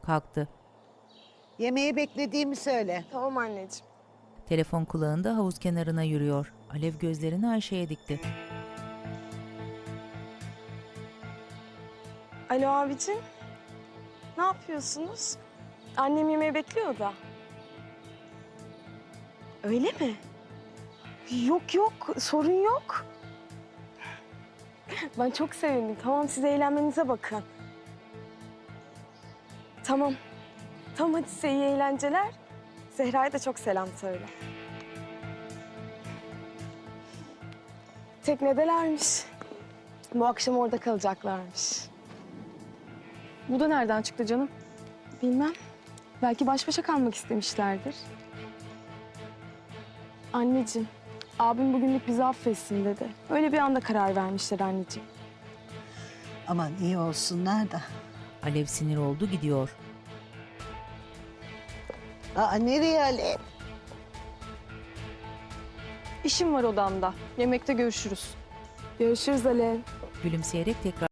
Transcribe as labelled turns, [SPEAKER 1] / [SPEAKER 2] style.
[SPEAKER 1] Kalktı.
[SPEAKER 2] Yemeği beklediğimi söyle.
[SPEAKER 3] Tamam anneciğim.
[SPEAKER 1] Telefon kulağında havuz kenarına yürüyor. Alev gözlerini Ayşe'ye dikti.
[SPEAKER 3] Alo abicim. Ne yapıyorsunuz? Annem yemeği bekliyor da. Öyle mi? Yok yok, sorun yok. Ben çok sevindim. Tamam, siz eğlenmenize bakın. Tamam. Tamam, hadi size iyi eğlenceler. Zehra'ya da çok selam söyle. Teknedelermiş. Bu akşam orada kalacaklarmış.
[SPEAKER 4] Bu da nereden çıktı canım?
[SPEAKER 3] Bilmem. Belki baş başa kalmak istemişlerdir. Anneciğim, abim bugünlük bizi affetsin dedi. Öyle bir anda karar vermişler anneciğim.
[SPEAKER 2] Aman iyi olsunlar da.
[SPEAKER 1] Alev sinir oldu, gidiyor.
[SPEAKER 2] Aa, nereye Alev?
[SPEAKER 4] İşim var odamda. Yemekte görüşürüz.
[SPEAKER 3] Görüşürüz Alev.
[SPEAKER 1] Gülümseyerek tekrar